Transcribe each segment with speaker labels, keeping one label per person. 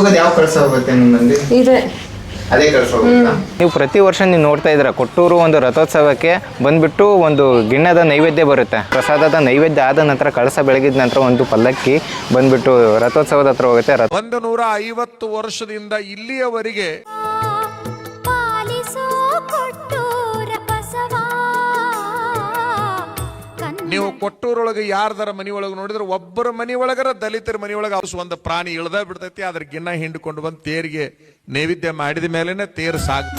Speaker 1: ಹೋಗೋದು ಯಾವ ಕಳಸ ಹೋಗುತ್ತೆ ನಿಮ್ಮಲ್ಲಿ?
Speaker 2: ಇದೆ
Speaker 1: ಅದೇ ಕಳಸ ಹೋಗುತ್ತಾ? ನೀವು ಪ್ರತಿ ವರ್ಷ ನೀವು ನೋಡ್ತಾ ಇದ್ದೀರಾ, ಕೊಟ್ಟೂರು ಒಂದು ರಥೋತ್ಸವಕ್ಕೆ ಬಂದ್ಬಿಟ್ಟು ಒಂದು ಗಿಣ್ಣದ ನೈವೇದ್ಯ ಬರುತ್ತೆ. ಪ್ರಸಾದದ ನೈವೇದ್ಯ ಆದ ನಂತರ ಕಳಸ ಬೆಳಗಿದ ನಂತರ ಒಂದು ಪಲ್ಲಕ್ಕಿ ಬಂದ್ಬಿಟ್ಟು ರಥೋತ್ಸವದ ಹತ್ರ ಹೋಗುತ್ತೆ.
Speaker 3: 150 ವರ್ಷದಿಂದ ಇಲ್ಲಿಯವರೆಗೆ ನೀವು ಕೊಟ್ಟೂರೊಳಗೆ ಯಾರ್ದಾರ ಮನೆಯೊಳಗೆ ನೋಡಿದ್ರೆ ಒಬ್ಬರ ಮನೆಯೊಳಗರ ದಲಿತರ ಮನೆಯೊಳಗೆ ಒಂದು ಪ್ರಾಣಿ ಇಳ್ದ ಬಿಡ್ತೈತಿ. ಅದ್ರ ಗಿನ್ನ ಹಿಂಡ್ಕೊಂಡು ಬಂದು ತೇರಿಗೆ ನೈವೇದ್ಯ ಮಾಡಿದ ಮೇಲೆನೆ ತೇರು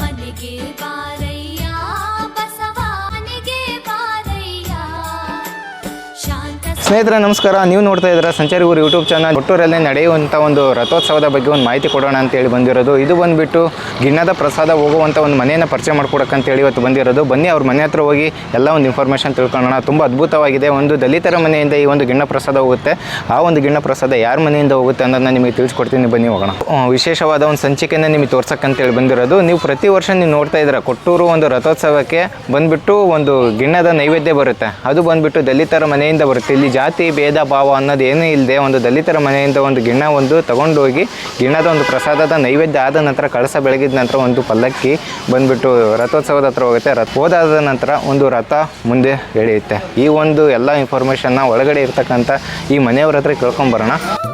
Speaker 1: ಸ್ನೇಹಿತರೆ ನಮಸ್ಕಾರ, ನೀವು ನೋಡ್ತಾ ಇದ್ದೀರಾ ಸಂಚಾರಿ ಊರು ಯೂಟ್ಯೂಬ್ ಚಾನಲ್. ಕೊಟ್ಟೂರಲ್ಲಿ ನಡೆಯುವಂಥ ಒಂದು ರಥೋತ್ಸವದ ಬಗ್ಗೆ ಒಂದು ಮಾಹಿತಿ ಕೊಡೋಣ ಅಂತೇಳಿ ಬಂದಿರೋದು. ಇದು ಬಂದುಬಿಟ್ಟು ಗಿಣ್ಣದ ಪ್ರಸಾದ ಹೋಗುವಂಥ ಒಂದು ಮನೆಯನ್ನು ಪರಿಚಯ ಮಾಡ್ಕೊಡಕ್ಕಂತೇಳಿ ಇವತ್ತು ಬಂದಿರೋದು. ಬನ್ನಿ ಅವ್ರ ಮನೆ ಹತ್ರ ಹೋಗಿ ಎಲ್ಲ ಒಂದು ಇನ್ಫಾರ್ಮೇಷನ್ ತಿಳ್ಕೊಳ್ಳೋಣ. ತುಂಬ ಅದ್ಭುತವಾಗಿದೆ. ಒಂದು ದಲಿತರ ಮನೆಯಿಂದ ಈ ಒಂದು ಗಿಣ್ಣ ಪ್ರಸಾದ ಹೋಗುತ್ತೆ. ಆ ಒಂದು ಗಿಣ್ಣ ಪ್ರಸಾದ ಯಾರ ಮನೆಯಿಂದ ಹೋಗುತ್ತೆ ಅನ್ನೋದನ್ನ ನಿಮಗೆ ತಿಳಿಸ್ಕೊಡ್ತೀನಿ, ಬನ್ನಿ ಹೋಗೋಣ. ವಿಶೇಷವಾದ ಒಂದು ಸಂಚಿಕೆಯನ್ನು ನಿಮಗೆ ತೋರ್ಸಕ್ಕಂತೇಳಿ ಬಂದಿರೋದು. ನೀವು ಪ್ರತಿ ವರ್ಷ ನೀವು ನೋಡ್ತಾ ಇದ್ದೀರಾ, ಕೊಟ್ಟೂರು ಒಂದು ರಥೋತ್ಸವಕ್ಕೆ ಬಂದುಬಿಟ್ಟು ಒಂದು ಗಿಣ್ಣದ ನೈವೇದ್ಯ ಬರುತ್ತೆ. ಅದು ಬಂದುಬಿಟ್ಟು ದಲಿತರ ಮನೆಯಿಂದ ಬರುತ್ತೆ. ಇಲ್ಲಿ ಜಾತಿ ಭೇದ ಭಾವ ಅನ್ನೋದು ಏನೂ ಇಲ್ಲದೆ ಒಂದು ದಲಿತರ ಮನೆಯಿಂದ ಒಂದು ಗಿಣ್ಣ ಒಂದು ತಗೊಂಡೋಗಿ ಗಿಣ್ಣದ ಒಂದು ಪ್ರಸಾದದ ನೈವೇದ್ಯ ಆದ ನಂತರ ಕಳಸ ಬೆಳಗಿದ ನಂತರ ಒಂದು ಪಲ್ಲಕ್ಕಿ ಬಂದುಬಿಟ್ಟು ರಥೋತ್ಸವದ ಹತ್ರ ಹೋಗುತ್ತೆ. ಹೋದಾದ ನಂತರ ಒಂದು ರಥ ಮುಂದೆ ಎಳೆಯುತ್ತೆ. ಈ ಒಂದು ಎಲ್ಲ ಇನ್ಫಾರ್ಮೇಷನ್ನ ಒಳಗಡೆ ಇರ್ತಕ್ಕಂಥ ಈ ಮನೆಯವ್ರ ಹತ್ರ ಕೇಳ್ಕೊಂಬರೋಣ.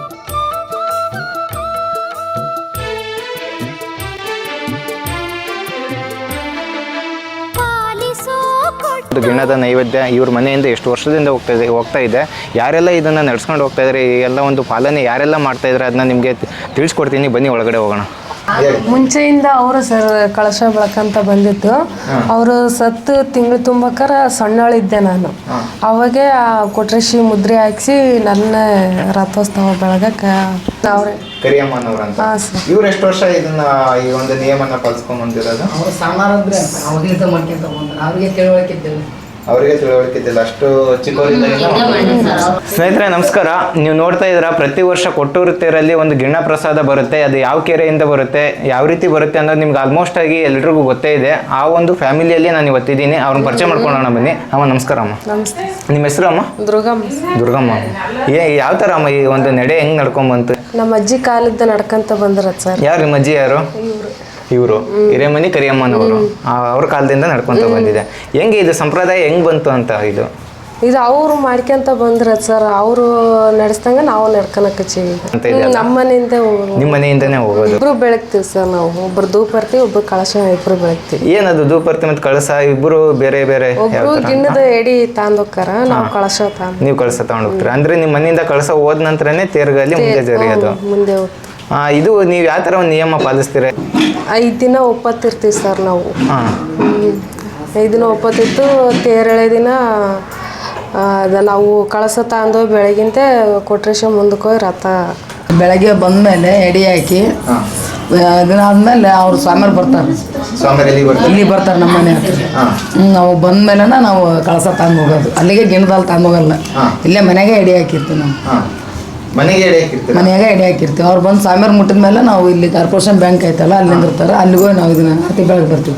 Speaker 1: ಗಿಣ್ಣದ ನೈವೇದ್ಯ ಇವ್ರ ಮನೆಯಿಂದ ಎಷ್ಟು ವರ್ಷದಿಂದ ಹೋಗ್ತಾ ಇದೆ, ಯಾರೆಲ್ಲ ಇದನ್ನು ನಡ್ಸ್ಕೊಂಡು ಹೋಗ್ತಾ ಇದ್ದಾರೆ, ಎಲ್ಲ ಒಂದು ಪಾಲನೆ ಯಾರೆಲ್ಲ ಮಾಡ್ತಾ ಇದ್ದಾರೆ ಅದನ್ನ ನಿಮಗೆ ತಿಳಿಸ್ಕೊಡ್ತೀನಿ, ಬನ್ನಿ ಒಳಗಡೆ ಹೋಗೋಣ.
Speaker 2: ಮುಂಚೆಯಿಂದ ಅವರು ಸರ್ ಕಳಶ ಬೆಳಕಂತ ಬಂದಿತ್ತು. ಅವರು ಸತ್ತು ತಿಂಗಳು ತುಂಬಕ್ಕಾರ ಸಣ್ಣಳಿದ್ದೆ ನಾನು. ಅವಾಗೆ ಕೊಟ್ರೇಶಿ ಮುದ್ರೆ ಹಾಕ್ಸಿ ನನ್ನ ರಥೋತ್ಸವ ಬೆಳಗಕ್ಕೆ ಅವರೇ
Speaker 1: ಕರಿಯಮ್ಮನವ್ರ ಅಂತ. ಇವ್ರು ಎಷ್ಟು ವರ್ಷ ಇದನ್ನ ಈ ಒಂದು ನಿಯಮನ ಪಾಲಿಸ್ಕೊಂಡ್ ಬಂದಿರೋದು?
Speaker 4: ಅವ್ರು ಸಣ್ಣವ್ರಂದ್ರೆ ಅವಾಗಲಿಂದ ಮಾಡ್ಕೊಂತ ಬಂದ್ರು. ಅವ್ರಿಗೆ ತಿಳುವಳಿಕಿದ್ದಿಲ್ಲ,
Speaker 1: ಅವರಿಗೆ ತಿಳುವಳಿಕಿದ್ದಿಲ್ಲ, ಅಷ್ಟು ಚಿಕ್ಕವರಿಂದ. ಸ್ನೇಹಿತರೆ ನಮಸ್ಕಾರ, ನೀವು ನೋಡ್ತಾ ಇದ್ದೀರಾ, ಪ್ರತಿ ವರ್ಷ ಕೊಟ್ಟೂರು ತೇರಲ್ಲಿ ಒಂದು ಗಿಣ್ಣ ಪ್ರಸಾದ ಬರುತ್ತೆ. ಅದು ಯಾವ ಕೆರೆಯಿಂದ ಬರುತ್ತೆ, ಯಾವ ರೀತಿ ಬರುತ್ತೆ ಅನ್ನೋದು ನಿಮ್ಗೆ ಆಲ್ಮೋಸ್ಟ್ ಆಗಿ ಎಲ್ರಿಗೂ ಗೊತ್ತೇ ಇದೆ. ಆ ಒಂದು ಫ್ಯಾಮಿಲಿಯಲ್ಲಿ ನಾನು ಇವತ್ತಿದ್ದೀನಿ. ಅವ್ರನ್ನ ಪರಿಚಯ ಮಾಡ್ಕೊಳ್ಳೋಣ ಬನ್ನಿ. ಅಮ್ಮ ನಮಸ್ಕಾರ. ಅಮ್ಮ ನಿಮ್ಮ ಹೆಸರು? ಅಮ್ಮ ದುರ್ಗಮ್ಮ. ಯಾವ ಥರ ಅಮ್ಮ ಈ ಒಂದು ನಡೆ ಹೆಂಗ್ ನಡ್ಕೊಂಬಂತು?
Speaker 2: ನಮ್ಮ ಅಜ್ಜಿ ಕಾಲದ ನಡ್ಕಂತ ಬಂದ್ರ ಸರ್.
Speaker 1: ಯಾರು ನಿಮ್ಮ ಅಜ್ಜಿ? ಯಾರು? ಇವರು ಹಿರೇಮನಿ ಕರಿಯಮ್ಮನವರು. ಅವ್ರ ಕಾಲದಿಂದ ನಡ್ಕೊಂತ ಬಂದಿದೆ. ಹೆಂಗೆ ಇದು ಸಂಪ್ರದಾಯ ಹೆಂಗ್ ಬಂತು ಅಂತ? ಇದು
Speaker 2: ಅವ್ರು ಮಾಡ್ಕೊಂತ ಬಂದ್ರ ಸರ್. ಅವರು ನಡೆಸ್ದಂಗ ನಾವು ನಡ್ಕೊಳಕಚ್ಚೀವಿ. ನಮ್ಮ ಮನೆಯಿಂದ
Speaker 1: ನಿಮ್ಮ ಮನೆಯಿಂದನೇ ಹೋಗೋದು?
Speaker 2: ಇಬ್ರು ಬೆಳಗ್ತೀವಿ ಸರ್. ನಾವು ಒಬ್ರು ಧೂಪ ಇರ್ತೀವಿ, ಒಬ್ರು ಕಳಶ, ಇಬ್ರು ಬೆಳಗ್ತೀವಿ.
Speaker 1: ಏನದು ಧೂಪ ಇರ್ತಿ ಮತ್ತು ಕಳಸ ಇಬ್ರು ಬೇರೆ ಬೇರೆ?
Speaker 2: ಒಬ್ರು ಗಿಣ್ಣದ ಎಡಿ ತಾಂದೋಕ್ಕಾರ, ನಾವು ಕಳಶ ತಾಂದ್.
Speaker 1: ನೀವು ಕಳಸ ತಗೊಂಡ್ ಹೋಗ್ತೀರಾ? ಅಂದ್ರೆ ನಿಮ್ಮ ಮನೆಯಿಂದ ಕಳಸ ಹೋದ ನಂತರನೇ ತೇರ್ಗಲ್ಲಿ ಮುಂದೆ ಜರಿಯೋದು?
Speaker 2: ಮುಂದೆ ಹೋಗ್ತೀವಿ.
Speaker 1: ಇದು ನೀವು ಯಾವ ಥರ ಒಂದು ನಿಯಮ ಪಾಲಿಸ್ತೀರ?
Speaker 2: 5 ದಿನ ಒಪ್ಪತ್ತಿರ್ತೀವಿ ಸರ್ ನಾವು. 5 ದಿನ ಒಪ್ಪತ್ತಿತ್ತು. ತೇರಳೆ ದಿನ ನಾವು ಕಳಸ ತಾಂದು ಬೆಳಗಿಂತ ಕೊಟ್ರೇಶ ಮುಂದಕ್ಕೆ ಹೋಗಿ ರಥ
Speaker 4: ಬೆಳಗ್ಗೆ ಬಂದ್ಮೇಲೆ ಎಡಿ ಹಾಕಿ ದಿನ ಆದ್ಮೇಲೆ ಅವ್ರು ಸ್ವಾಮಿಯರು ಬರ್ತಾರೆ. ಇಲ್ಲಿ ಬರ್ತಾರೆ ನಮ್ಮ ಮನೆ ಹತ್ರ. ನಾವು ಬಂದ್ಮೇಲೆ ನಾವು ಕಳಸ ತಂದು ಹೋಗೋದು. ಅಲ್ಲಿಗೆ ಗಿಣದಲ್ಲಿ ತಂದು ಹೋಗಲ್ಲ, ಇಲ್ಲೇ ಮನೆಗೆ ಎಡಿ ಹಾಕಿರ್ತೀವಿ. ನಾವು ಮನೆಯಾಗ ಎಡೆ ಹಾಕಿರ್ತೀವಿ. ಅವ್ರು ಬಂದು ಸ್ವಾಮಿಯವ್ರು ಮುಟ್ಟಿದ ಮೇಲೆ ನಾವು ಇಲ್ಲಿ ಕಾರ್ಪೊರೇಷನ್ ಬ್ಯಾಂಕ್ ಐತಲ್ಲ, ಅಲ್ಲಿಂದ ಇರ್ತಾರೆ, ಅಲ್ಲಿಗೂ ನಾವು ಇದನ್ನ ಅತಿ ಬೆಳಗ್ಗೆ ಬರ್ತೀವಿ.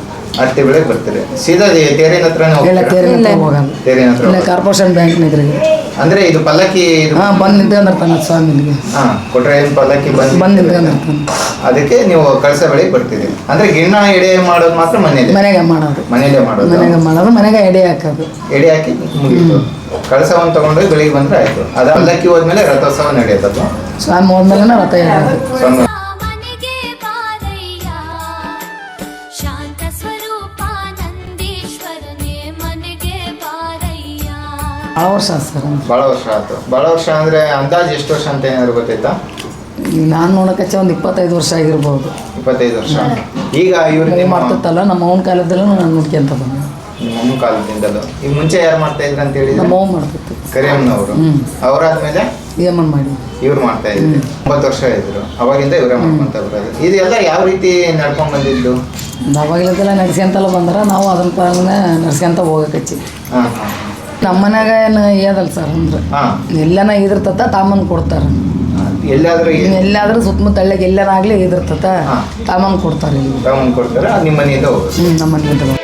Speaker 1: ಸೀದಾ ತೇರಿನ ಹತ್ರ
Speaker 4: ಹೋಗಲ್ಲ, ಇಲ್ಲ ಕಾರ್ಪೊರೇಷನ್ ಬ್ಯಾಂಕ್ ಇದ್ರಿಗೆ.
Speaker 1: ಅಂದ್ರೆ ಇದು ಪಲ್ಲಕ್ಕಿ
Speaker 4: ಬಂದು ನಿಂತ್ಕೊಂಡಿರ್ತಾನೆ ಸ್ವಾಮಿಗೆ.
Speaker 1: ಪಲ್ಲಕ್ಕಿ ಬಂದು
Speaker 4: ನಿಂತ್ಕೊಂಡಿರ್ತಾನೆ.
Speaker 1: ಅದಕ್ಕೆ ನೀವು ಕಳಸ ಬೆಳಗ್ಗೆ ಬರ್ತೀರಿ. ಅಂದ್ರೆ ಗಿಣ್ಣ ಎಡೆ ಮಾಡೋದು ಮಾತ್ರ
Speaker 4: ಮನೆಗೆ ಮಾಡೋದು, ಮನೆಗೆ ಎಡೆ ಹಾಕೋದು.
Speaker 1: ಎಡೆ ಹಾಕಿ ಮುಗಿತು. ಕಳಸವನ್ನು ತಗೊಂಡೋಗಿ ಬೆಳಿಗ್ಗೆ ಬಂದ್ರೆ ಆಯ್ತು. ಅದ ಪಲ್ಲಕ್ಕಿ ಹೋದ್ಮೇಲೆ ರಥೋತ್ಸವ ನಡೆಯುತ್ತೆ.
Speaker 4: ಸ್ವಾಮಿ ಹೋದ್ಮೇಲೆ ರಥ ಎಳೆಯೋದು.
Speaker 1: ಭಾಳ ವರ್ಷ ಆಯ್ತು. ಭಾಳ ವರ್ಷ ಅಂದ್ರೆ ಅಂದಾಜು ಎಷ್ಟು ವರ್ಷ ಅಂತ ಏನಾದ್ರು ಗೊತ್ತಾಯ್ತಾ?
Speaker 4: ನಾನು ನೋಡೋಕೆ ಒಂದು 25 ವರ್ಷ ಆಗಿರ್ಬೋದು.
Speaker 1: 25 ವರ್ಷ. ಈಗ ಇವ್ರಿಗೆ
Speaker 4: ಮಾಡ್ತಿತ್ತಲ್ಲ, ನಮ್ಮ ಅವ್ನ ಕಾಲದಲ್ಲೂ ನಾನು ನೋಡ್ಕೊಂತ ಬಂದೆ.
Speaker 1: ನಿಮ್ಮ ಅಮ್ಮ ಕಾಲದಿಂದಲೂ? ಈಗ ಮುಂಚೆ ಯಾರು ಮಾಡ್ತಾ ಇದ್ರು ಅಂತ ಹೇಳಿ?
Speaker 4: ನಮ್ಮ ಅವ್ವ ಮಾಡ್ತಿತ್ತು,
Speaker 1: ಕರಿಯಮ್ಮನವರು. ಅವರಾದ್ಮೇಲೆ
Speaker 4: ಏಮನ್ ಮಾಡಿ
Speaker 1: ಇವ್ರು ಮಾಡ್ತಾ ಇದ್ರು. 9 ವರ್ಷ ಇದ್ರು. ಅವಾಗಿಂದ ಇವರೇ ಮಾಡ್ಕೊಂತ ಬರೋದು. ಇದೆಲ್ಲ ಯಾವ ರೀತಿ ನಡ್ಕೊಂಡ್ ಬಂದಿದ್ದು?
Speaker 4: ಅವಾಗಲೆಲ್ಲ ನಡ್ಸ್ಕೊಂತಲ್ಲ ಬಂದ್ರೆ ನಾವು ಅದನ್ನ ಪಾಲನೆ ನಡ್ಸ್ಕೊಂತ ಹೋಗಕಚ್ಚಿ. ನಮ್ಮ ಮನ್ಯಾಗ ಏನು ಏದಲ್ಲ ಸರ್. ಅಂದ್ರೆ ಎಲ್ಲನ ಇದಿರ್ತತ ತಾಮನ್ ಕೊಡ್ತಾರ. ಎಲ್ಲಾದ್ರೂ ಸುತ್ತಮುತ್ತ ಹಳ್ಳಿಗೆ ಎಲ್ಲನಾಗ್ಲಿ ಇದಿರ್ತತ ತಾಮನ್ ಕೊಡ್ತಾರೆ.
Speaker 1: ನಿಮ್ಮ ಮನೆಯಿಂದ
Speaker 4: ನಮ್ಮ ಮನೆಯಿಂದ.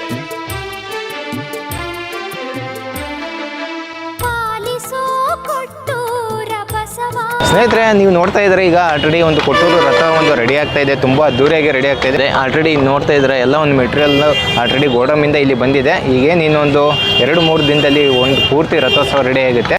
Speaker 1: ಸ್ನೇಹಿತರೆ, ನೀವು ನೋಡ್ತಾ ಇದ್ರೆ ಈಗ ಆಲ್ರೆಡಿ ಒಂದು ಕೊಟ್ಟೂರು ರಥ ಒಂದು ರೆಡಿ ಆಗ್ತಾ ಇದೆ, ತುಂಬ ಅದ್ದೂರಿಯಾಗಿ ರೆಡಿ ಆಗ್ತಾ ಇದೆ. ಆಲ್ರೆಡಿ ನೋಡ್ತಾ ಇದ್ರೆ ಎಲ್ಲ ಒಂದು ಮೆಟೀರಿಯಲ್ ಆಲ್ರೆಡಿ ಗೋಡಮಿಂದ ಇಲ್ಲಿ ಬಂದಿದೆ. ಈಗೇನು ಇನ್ನೊಂದು 2-3 ದಿನದಲ್ಲಿ ಒಂದು ಪೂರ್ತಿ ರಥೋತ್ಸವ ರೆಡಿ ಆಗುತ್ತೆ.